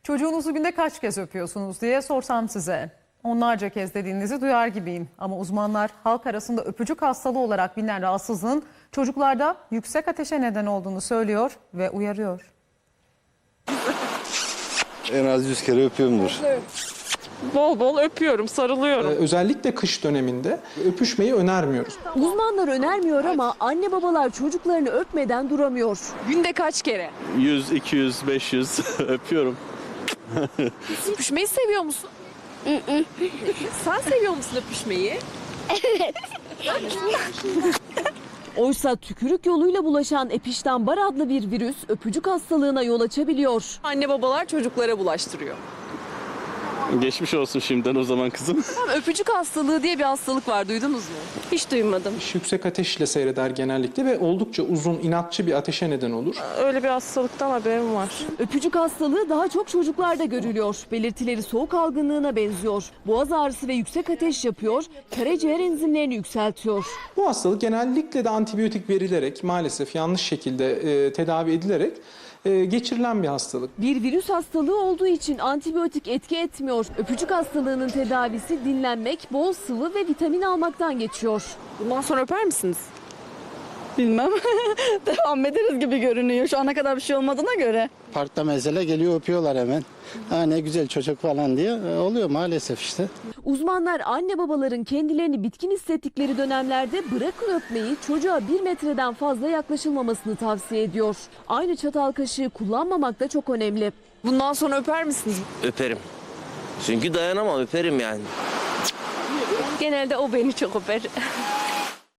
Çocuğunuzu günde kaç kez öpüyorsunuz diye sorsam size. Onlarca kez dediğinizi duyar gibiyim. Ama uzmanlar halk arasında öpücük hastalığı olarak bilinen rahatsızlığın çocuklarda yüksek ateşe neden olduğunu söylüyor ve uyarıyor. En az 100 kere öpüyorumdur. Bol bol öpüyorum, sarılıyorum. Özellikle kış döneminde öpüşmeyi önermiyoruz. Uzmanlar önermiyor ama anne babalar çocuklarını öpmeden duramıyor. Günde kaç kere? 100, 200, 500 öpüyorum. Öpüşmeyi seviyor musun? Sen seviyor musun öpüşmeyi? Oysa tükürük yoluyla bulaşan Epstein-Barr adlı bir virüs öpücük hastalığına yol açabiliyor. Anne babalar çocuklara bulaştırıyor. Geçmiş olsun şimdiden o zaman kızım. Öpücük hastalığı diye bir hastalık var, duydunuz mu? Hiç duymadım. Yüksek ateşle seyreder genellikle ve oldukça uzun, inatçı bir ateşe neden olur. Öyle bir hastalıktan haberim var. Öpücük hastalığı daha çok çocuklarda görülüyor. Belirtileri soğuk algınlığına benziyor. Boğaz ağrısı ve yüksek ateş yapıyor, karaciğer enzimlerini yükseltiyor. Bu hastalık genellikle de antibiyotik verilerek, maalesef yanlış şekilde tedavi edilerek geçirilen bir hastalık. Bir virüs hastalığı olduğu için antibiyotik etki etmiyor. Öpücük hastalığının tedavisi dinlenmek, bol sıvı ve vitamin almaktan geçiyor. Bundan sonra öper misiniz? Bilmem. Devam ederiz gibi görünüyor. Şu ana kadar bir şey olmadığına göre. Parkta mesela geliyor öpüyorlar hemen. Ha ne güzel çocuk falan diye oluyor maalesef işte. Uzmanlar anne babaların kendilerini bitkin hissettikleri dönemlerde bırakın öpmeyi, çocuğa 1 metreden fazla yaklaşılmamasını tavsiye ediyor. Aynı çatal kaşığı kullanmamak da çok önemli. Bundan sonra öper misiniz? Öperim. Çünkü dayanamam, öperim yani. Genelde o beni çok öper.